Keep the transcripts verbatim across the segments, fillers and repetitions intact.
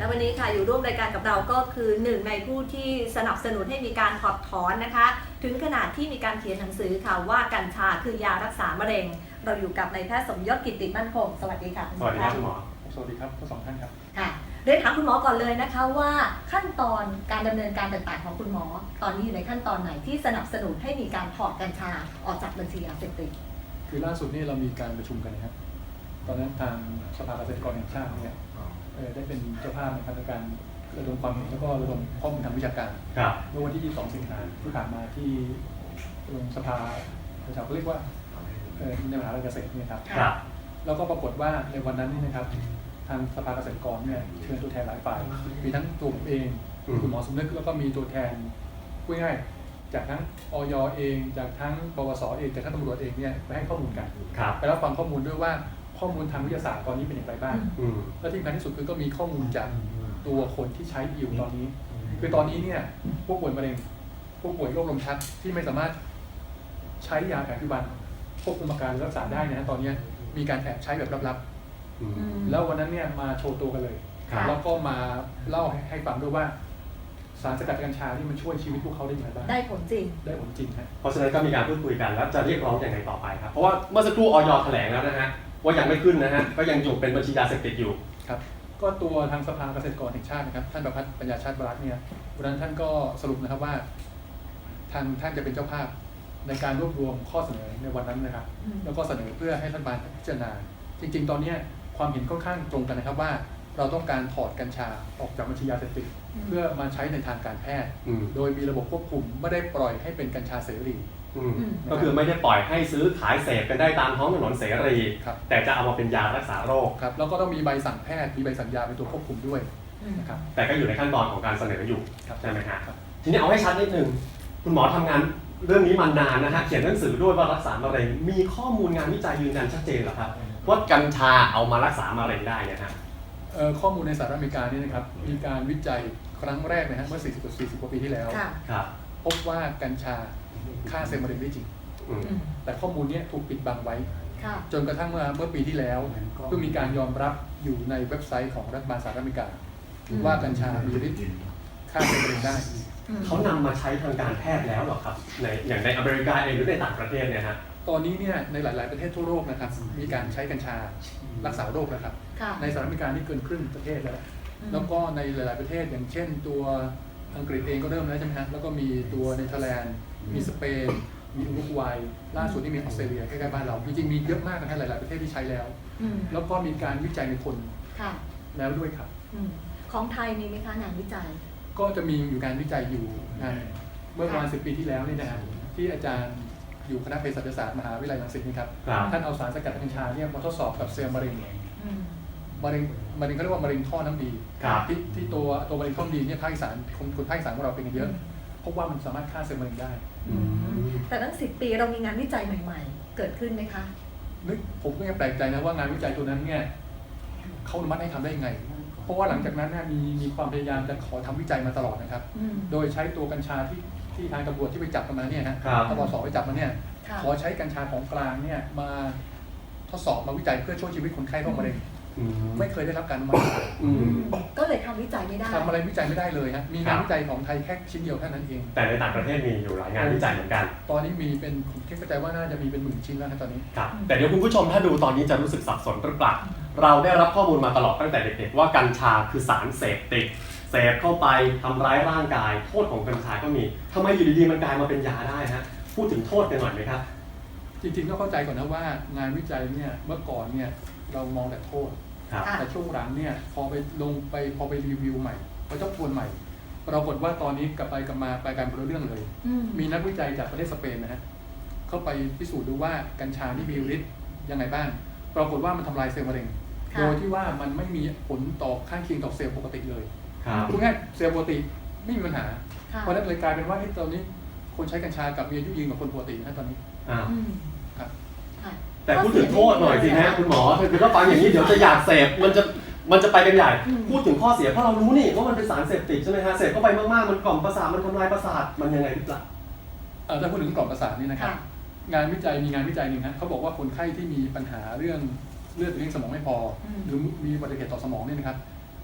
และวันนี้ค่ะอยู่ร่วมรายการกับเราก็คือหนึ่งในผู้ที่สนับสนุนให้มีการถอดถอนนะคะถึงขนาดที่มีการเขียนหนังสือค่ะว่ากัญชาคือยารักษามะเร็งเราอยู่กับนายแพทย์สมยศกิตติมั่นคงสวัสดีค่ะสวัสดีครับคุณหมอสวัสดีครับทั้งสองท่านครับค่ะเรียนถามคุณหมอก่อนเลยนะคะว่าขั้นตอนการดำเนินการต่างๆของคุณหมอตอนนี้อยู่ในขั้นตอนไหนที่สนับสนุนให้มีการถอดกัญชาออกจากบัญชียาเสพติดคือล่าสุดนี่เรามีการประชุมกันนะครับตอนนั้นทางสภาเกษตรกรแห่งชาติเนี่ยได้เป็นเจ้าภาพในการระดมความเห็นแล้วก็ระดมข้อมูลทางวิชาการเมื่อวันที่ยี่สิบสองสิงหาคมที่ผ่านมาที่สภาประชาชนเรียกว่าในมหาวิทยาลัยเกษตรนี่ครับแล้วก็ปรากฏว่าในวันนั้นนี่นะครับทางสภาเกษตรกรเนี่ยเชิญตัวแทนหลายฝ่ายมีทั้งตัวผมเองคุณหมอสมนึกแล้วก็มีตัวแทนพูดง่ายจากทั้งอย.เองจากทั้งปวส.เองจากทั้งตำรวจเองเนี่ยไปให้ข้อมูลกันไปรับฟังข้อมูลด้วยว่าข้อมูลทางวิทยาศาสตร์ตอนนี้เป็นอย่างไรบ้างและที่สำคัญที่สุดคือก็มีข้อมูลจากตัวคนที่ใช้อยู่ตอนนี้คือตอนนี้เนี่ยผู้ป่วยมะเร็งผู้ป่วยโรคลมชักที่ไม่สามารถใช้ยาแผนปัจจุบันควบคุมอาการรักษาได้นะตอนนี้มีการแอบใช้แบบลับๆแล้ววันนั้นเนี่ยมาโชว์ตัวกันเลยแล้วก็มาเล่าให้ฟังด้วยว่าสารสกัดกัญชาที่มันช่วยชีวิตพวกเขาได้อย่างไรบ้างได้ผลจริงได้ผลจริงฮะเพราะฉะนั้นก็มีการพูดคุยกันแล้วจะเรียกร้องอย่างไรต่อไปครับเพราะว่าเมื่อสักครู่อย.แถลงแล้วนะฮะว่ายังไม่ขึ้นนะฮะก็ยังอยู่เป็นบัญชียาเสพติดอยู่ครับก็ตัวทางสภาเกษตรกรแห่งชาตินะครับท่านประภัสปัญญาชาติวรักษ์เนี่ยวันนั้นท่านก็สรุปนะครับว่าทางท่านจะเป็นเจ้าภาพในการรวบรวมข้อเสนอในวันนั้นนะครับแล้วก็เสนอเพื่อให้รัฐบาลพิจารณาจริงๆตอนนี้ความเห็นค่อนข้างตรงกันนะครับว่าเราต้องการถอดกัญชาออกจากบัญชียาเสพติดเพื่อมาใช้ในทางการแพทย์โดยมีระบบควบคุมไม่ได้ปล่อยให้เป็นกัญชาเสรีก็คือไม่ได้ปล่อยให้ซื้อขายเสพกันได้ตามท้องถนนเสรีแต่จะเอามาเป็นยารักษาโรคครับแล้วก็ต้องมีใบสั่งแพทย์มีใบสั่งยาเป็นตัวควบคุมด้วยนะครับแต่ก็อยู่ในขั้นตอนของการเสนออยู่ใช่ไหมครับทีนี้เอาให้ชัดนิดนึงคุณหมอทำงานเรื่องนี้มานานนะฮะเขียนหนังสือด้วยว่ารักษามะเร็งมีข้อมูลงานวิจัยยืนยันชัดเจนเหรอครับว่ากัญชาเอามารักษามะเร็งได้เนี่ยฮะข้อมูลในสหรัฐอเมริกานี่นะครับมีการวิจัยครั้งแรกนะฮะเมื่อสี่สิบกว่าปีที่แล้วพบว่ากัญชาฆ่าเซลล์มะเร็งได้จริงแต่ข้อมูลนี้ถูกปิดบังไว้จนกระทั่งเมื่อเมื่อปีที่แล้วเพิ่งมีการยอมรับอยู่ในเว็บไซต์ของรัฐบาลสหรัฐอเมริกาว่ากัญชามีฤทธิ์ฆ่าเซลล์มะเร็งได้เขานำมาใช้ทางการแพทย์แล้วหรอครับในอย่างในอเมริกาเองหรือในต่างประเทศเนี่ยฮะตอนนี้เนี่ยในหลายๆประเทศทั่วโลกนะครับมีการใช้กัญชารักษาโรคนะครับในสหรัฐอเมริกานี่เกินครึ่งประเทศแล้วแล้วก็ในหลายๆประเทศอย่างเช่นตัวอังกฤษเองก็เริ่มแล้วใช่ไหมฮะแล้วก็มีตัวเนเธอร์แลนด์มีสเปนมีอุรุกวัยล่าสุดนี่มีออสเตรเลียใกล้ๆบ้านเราจริงๆมีเยอะมากนะฮะหลายๆประเทศที่ใช้แล้วแล้วก็มีการวิจัยในคนแล้วด้วยครับของไทยมีไหมคะงานวิจัยก็จะมีอยู่การวิจัยอยู่งานเมื่อประมาณสิบปีที่แล้วนี่นะฮะที่อาจารย์อยู่คณะเภสัชศาสตร์มหาวิทยาลัยรังสิตนี่ครับท่านเอาสารสกัดกัญชาเนี่ยมาทดสอบกับเซลล์มะเร็งมะเร็งมะเร็งเขาเรียกว่ามะเร็งท่อน้ำดีที่ที่ตัวตัวมะเร็งท่อน้ำดีเนี่ยภาคอีสานคนคนภาคอีสานของเราเป็นกันเยอะพบว่ามันสามารถฆ่าเซลล์มะเร็งได้แต่ตั้งสิบปีเรามีงานวิจัยใหม่ๆเกิดขึ้นไหมคะนึกผมก็ยังแปลกใจนะว่างานวิจัยตัวนั้นเนี่ยเขาอนุมัติให้ทำได้ยังไงเพราะว่าหลังจากนั้นเนี่ยมีมีความพยายามจะขอทำวิจัยมาตลอดนะครับโดยใช้ตัวกัญชาที่ที่ทางตำรวจที่ไปจับมาเนี่ยฮะตำรวจสอบไปจับมาเนี่ยขอใช้กัญชาของกลางเนี่ยมาทดสอบมาวิจัยเพื่อช่วยชีวิตคนไข้โรคมะเร็งไม่เคยได้รับการอนุมัติก็เลยทำวิจัยไม่ได้ทำอะไรวิจัยไม่ได้เลยฮะมีงานวิจัยของไทยแค่ชิ้นเดียวเท่านั้นเองแต่ในต่างประเทศมีอยู่หลายงานวิจัยเหมือนกันตอนนี้มีเป็นผมคิดเข้าใจว่าน่าจะมีเป็นหมื่นชิ้นแล้วนะตอนนี้ครับแต่เดี๋ยวคุณผู้ชมถ้าดูตอนนี้จะรู้สึกสับสนหรือเปล่าเราได้รับข้อมูลมาตลอดตั้งแต่เด็กๆว่ากัญชาคือสารเสพติดเสพเข้าไปทำร้ายร่างกายโทษของกัญชาก็มีทำไมอยู่ดีๆมันกลายมาเป็นยาได้ฮะพูดถึงโทษกันหน่อยไหมครับจริงๆต้องเข้าใจก่อนนะว่างานวิจัยเนี่ยเมื่อก่อนเนี่ยเรามองแต่โทษแต่ช่วงหลังเนี่ยพอไปลงไปพอไปรีวิวใหม่พอเจ้าทวนใหม่ปรากฏว่าตอนนี้กลับไปกลับมาไปการเป็นเรื่องเลยมีนักวิจัยจากประเทศสเปนนะฮะเข้าไปพิสูจน์ดูว่ากัญชาที่มีฤทธิ์ยังไงบ้างปรากฏว่ามันทำลายเซลล์มะเร็งโดยที่ว่ามันไม่มีผลต่อข้างเคียงต่อเซลล์ปกติเลยพูดง่ายเซลล์ปกติไม่มีปัญหาเพราะนั้นเลยกลายเป็นว่าตอนนี้คนใช้กัญชากับมีอายุยืนกว่าคนปกตินะตอนนี้แต่พูดถึงโทษหน่อยสิฮะคุณหมอคือถ้าฟังอย่างนี้เดี๋ยวจะอยากเสพมันจะมันจะไปกันใหญ่พูดถึงข้อเสียเพราะเรารู้นี่ว่ามันเป็นสารเสพติดใช่ไหมฮะเสพเข้าไปมากๆมันกล่อมประสาทมันทำลายประสาทมันยังไงหรือเปล่าถ้าพูดถึงกล่อมประสาทนี่นะครับงานวิจัยมีงานวิจัยหนึ่งนะเขาบอกว่าคนไข้ที่มีปัญหาเรื่องเลือดเลี้ยงสมองไม่พอหรือมีอุบัติเหตุต่อสมองเนี่ยนะครับ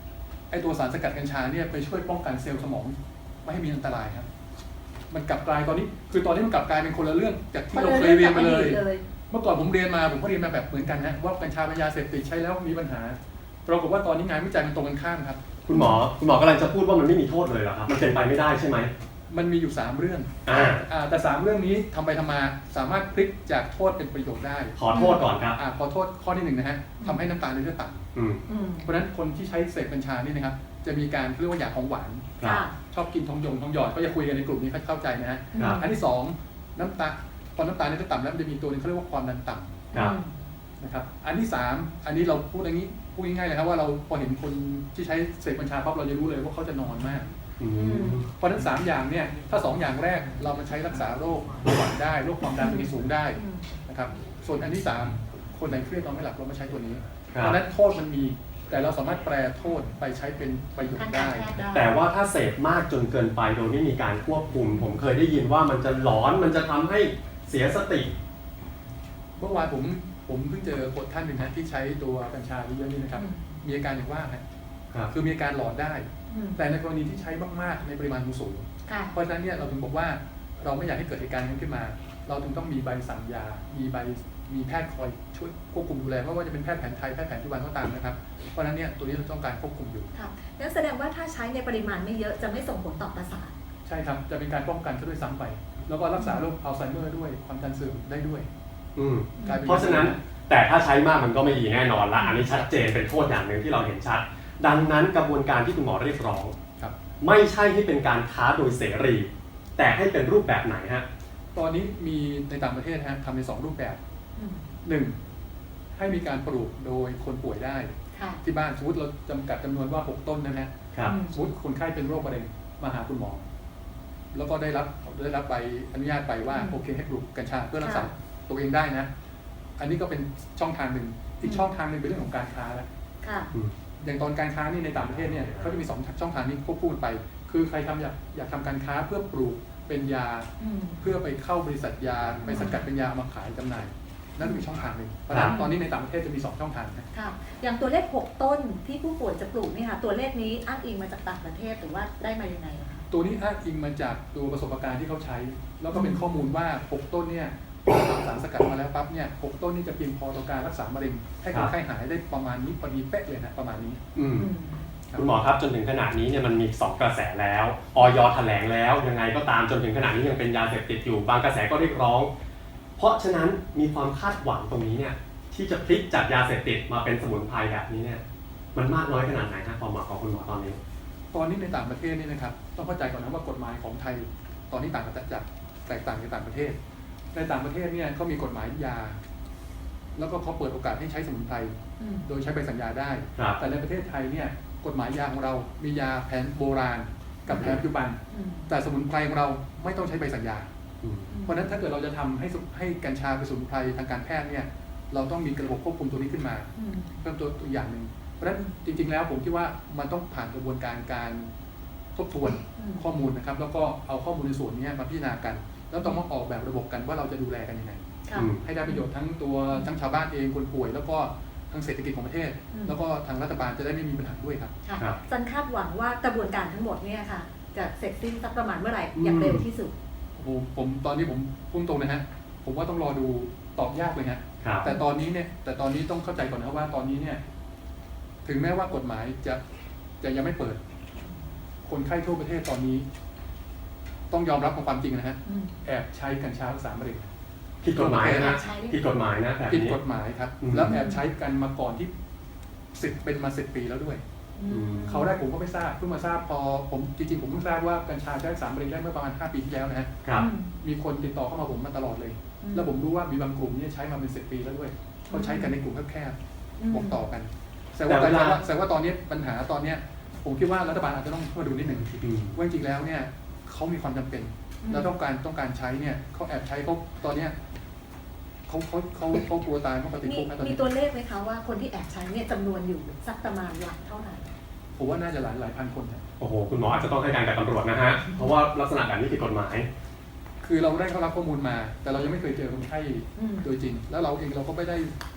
ไอตัวสารสกัดกัญชาเนี่ยไปช่วยป้องกันเซลล์สมองไม่ให้มีอันตรายครับมันกลับกลายตอนนี้คือตอนนี้มันกลับกลายเป็นคนละเรื่องจากที่เราเคยเรียนมาเลยเมื่อก่อนผมเรียนมาผมก็เรียนมาแบบเหมือนกันฮะว่ากัญชาเป็นยาเสพติดใช้แล้วมีปัญหาปรากฏว่าตอนนี้งานวิจัยมันตรงกันข้ามครับคุณหมอคุณหมอกำลังจะพูดว่ามันไม่มีโทษเลยเหรอครับมันเป็นไปไม่ได้ใช่ไหมมันมีอยู่สามเรื่องอ่าอ่าแต่สามเรื่องนี้ทำไปทำมาสามารถพลิกจากโทษเป็นประโยชน์ได้ขอโทษก่อนครับอ่าขอโทษข้อที่หนึ่งนะฮะทำให้น้ำตาลในเลือดต่ำเพราะฉะนั้นคนที่ใช้เสพกัญชานี่นะครับจะมีการเรียกว่าอยากของหวานชอบกินทองยงทองหยอดก็จะคุยกันในกลุ่มนี้เข้าใจนะฮะอันที่สองน้ำตาลพอน้ำตาลในเลือดต่ำแล้วมันจะมีตัวนึงเขาเรียกว่าความดันต่ำนะครับอันที่สามอันนี้เราพูดอย่างนี้พูดง่ายๆเลยครับว่าเราพอเห็นคนที่ใช้เสพกัญชาปั๊บเราจะรู้เลยว่าเขาจะนอนมากเพราะฉะนั้นสามอย่างเนี่ยถ้าสองอย่างแรกเรามาใช้รักษาโรคเบาหวานได้โรคความดันมีสูงได้นะครับส่วนอันที่สามคนไหนเครียดนอนไม่หลับเรามาใช้ตัวนี้เพราะฉะนั้นโทษมันมีแต่เราสามารถแปลโทษไปใช้เป็นประโยชน์ได้แต่ว่าถ้าเสพมากจนเกินไปโดยไม่มีการควบคุมผมเคยได้ยินว่ามันจะหลอนมันจะทำให้เสียสติเมื่อวานผมผมเพิ่งเจอคนท่านหนึ่งนะที่ใช้ตัวกัญชาเยอะๆนี่นะครับมีอาการอย่างว่าครับคือมีอาการหลอนได้แต่ในกรณีที่ใช้มากๆในปริมาณสูงเพราะฉะนั้นเนี่ยเราถึงบอกว่าเราไม่อยากให้เกิดเหตุการณ์นี้ขึ้นมาเราถึงต้องมีใบสั่งยามีใบมีแพทย์คอยช่วยควบคุมดูแลไม่ว่าจะเป็นแพทย์แผนไทยแพทย์แผนปัจจุบันก็ตามนะครับเพราะฉะนั้นเนี่ยตัวนี้เราต้องการควบคุมอยู่ครับนั่นแสดงว่าถ้าใช้ในปริมาณไม่เยอะจะไม่ส่งผลต่อประสาทใช่ครับจะเป็นการป้องกันซะด้วยซ้ำไปแล้วก็รักษาโรคอัลไซเมอร์ด้วยความดันเสื่อมได้ด้วยอืมเพราะฉะนั้นแต่ถ้าใช้มากมันก็ไม่ดีแน่นอนละอันนี้ชัดเจนเป็นโทษอย่างหนึ่งที่เราเห็นชัดดังนั้นกระบวนการที่คุณหมอเรียกร้องไม่ใช่ให้เป็นการค้าโดยเสรีแต่ให้เป็นรูปแบบไหนฮะตอนนี้มีในต่างประเทศฮะทำในสองรูปแบบหนึ่งให้มีการปลูกโดยคนป่วยได้ที่บ้านสมมติเราจำกัดจำนวนว่าหกต้นนะฮะสมมติคนไข้เป็นโรคมะเร็งมาหาคุณหมอแล้วก็ได้รับได้รับใบอนุญาตไปว่าโอเคให้ปลูกกัญชาเพื่อรักษาตัวเองได้นะอันนี้ก็เป็นช่องทางหนึ่งอีกช่องทางหนึ่งเป็นเรื่องของการค้าแล้วอย่างตอนการค้านี่ในต่างประเทศเนี่ยเขาจะมีสองช่องทางนี้ควบคู่ไปคือใครทำอยากอยากทำการค้าเพื่อปลูกเป็นยาเพื่อไปเข้าบริษัทยาไปสกัดเป็นยามาขายจำหน่ายนั่นเป็นช่องทางหนึ่งเพราะฉะนั้นตอนนี้ในต่างประเทศจะมีสองช่องทางค่ะอย่างตัวเลขหกต้นที่ผู้ป่วยจะปลูกนี่ค่ะตัวเลขนี้อ้างอิงมาจากต่างประเทศหรือว่าได้มายังไงคะตัวนี้อ้างอิงมาจากตัวประสบการณ์ที่เขาใช้แล้วก็เป็นข้อมูลว่าหกต้นเนี่ยทำสารสกัดมาแล้วปั๊บเนี่ยหกต้นนี่จะเพียงพอต่อการรักษามะเร็งให้คนไข้หายได้ประมาณนี้พอดีเป๊ะเลยนะประมาณนี้คุณหมอครับจนถึงขนาดนี้เนี่ยมันมีสองกระแสแล้วอย.แถลงแล้วยังไงก็ตามจนถึงขนาดนี้ยังเป็นยาเสพติดอยู่บางกระแสก็เรียกร้องเพราะฉะนั้นมีความคาดหวังตรงนี้เนี่ยที่จะพลิกจากยาเสพติดมาเป็นสมุนไพรแบบนี้เนี่ยมันมากน้อยขนาดไหนฮะความหมายของคุณหมอตอนนี้ตอนนี้ในต่างประเทศนี่นะครับต้องเข้าใจก่อนนะว่ากฎหมายของไทยตอนนี้ต่างจากจากแตกต่างจากต่างประเทศในต่างประเทศเนี่ยเขามีกฎหมายยาแล้วก็เขาเปิดโอกาสให้ใช้สมุนไพรโดยใช้ใบสัญญาได้แต่ในประเทศไทยเนี่ยกฎหมายยาของเรามียาแผนโบราณกับแผนปัจจุบันแต่สมุนไพรของเราไม่ต้องใช้ใบสัญญาเพราะฉะนั้นถ้าเกิดเราจะทำให้ให้กัญชาเป็นสมุนไพรทางการแพทย์เนี่ยเราต้องมีระบบควบคุมตัวนี้ขึ้นมาเพิ่มตัวตัวอย่างหนึ่งเพราะฉะนั้นจริงๆแล้วผมคิดว่ามันต้องผ่านกระบวนการการทบทวนข้อมูลนะครับแล้วก็เอาข้อมูลในส่วนนี้มาพิจารณากันแล้วต้องมาออกแบบระบบกันว่าเราจะดูแลกันยังไงให้ได้ประโยชน์ทั้งตัวทั้งชาวบ้านเองคนป่วยแล้วก็ทั้งเศรษฐกิจของประเทศแล้วก็ทางรัฐบาลจะได้ไม่มีปัญหาด้วยครับจันคาดหวังว่ากระบวนการทั้งหมดเนี่ยค่ะจะเสร็จสิ้นสักประมาณเมื่อไหร่อย่างเร็วที่สุดผมผมตอนนี้ผมพุ่งตรงนะฮะผมว่าต้องรอดูตอบยากเลยฮะแต่ตอนนี้เนี่ยแต่ตอนนี้ต้องเข้าใจก่อนนะว่าตอนนี้เนี่ยถึงแม้ว่ากฎหมายจะจะยังไม่เปิดคนไข้ทั่วประเทศตอนนี้ต้องยอมรับความจริงนะฮะแอบใช้กัญชารักษามะเร็งผิดกฎหมายนะผิดกฎหมายนะผิดกฎหมายครับแล้วแอบใช้กันมาก่อนที่สิบเป็นมาสิบปีแล้วด้วยเขาได้ผมก็ไม่ทราบเพิ่งมาทราบพอผมจริงๆผมเพิ่งทราบว่ากัญชาใช้รักษามะเร็งได้เมื่อประมาณห้าปีที่แล้วนะฮะมีคนติดต่อเข้ามาผมมาตลอดเลยแล้วผมรู้ว่ามีบางกลุ่มนี่ใช้มาเป็นสิบปีแล้วด้วยเขาใช้กันในกลุ่มแคบๆบอกต่อกันแต่ว่าแต่ว่าตอนนี้ปัญหาตอนนี้ผมคิดว่ารัฐบาลอาจจะต้องมาดูนิดหนึ่งว่าจริงๆแล้วเนี่ยเขามีความจำเป็นแล้วต้องการต้องการใช้เนี่ยเขาแอบใช้เขาตอนเนี้ยเขาเขาเขาเขากลัวตายเขาติดคุกนะตอนนี้มีตัวเลขไหมคะว่าคนที่แอบใช้เนี่ยจำนวนอยู่สักประมาณหลักเท่าไหร่ผมว่าน่าจะหลายหลายพันคนนะโอ้โหคุณหมออาจจะต้องให้การกับตำรวจนะฮะเพราะว่าลักษณะแบบนี้ผิดกฎหมายคือเราได้เข้ารับข้อมูลมาแต่เรายังไม่เคยเจอคนไข้โดยจริงแล้วเราเองเราก็ไม่ได้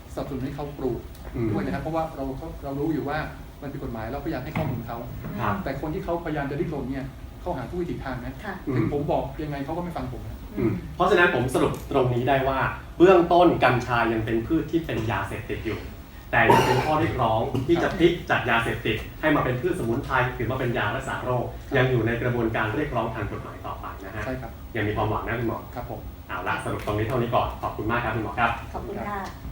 สนับสนุนให้เขาปลูกอืมด้วยนะครับเพราะว่าเราเรารู้อยู่ว่ามันผิดกฎหมายเราพยายามให้ข้อมูลเขาครับแต่คนที่เขาพยายามจะดิ้นรนเนี่ยเขาหาทุกวิถีทางนะค่ะอืมถึงผมบอกยังไงเขาก็ไม่ฟังผมนะอืมเพราะฉะนั้นผมสรุปตรงนี้ได้ว่า เบื้องต้นกัญชายังเป็นพืชที่เป็นยาเสพติดอยู่ แต่ยังเป็นข้อเรียกร้องที่จะพลิกจากยาเสพติดให้มาเป็นพืชสมุนไพรหรือมาเป็นยารักษาโรค ยังอยู่ในกระบวนการเรียกร้องทางกฎหมายต่อไปนะฮะใช่ครับยังมีความหวังนะคุณหมอครับผมเอาละสรุปตรงนี้เท่านี้ก่อนขอบคุณมากครับคุณหมอครับขอบคุณค่ะ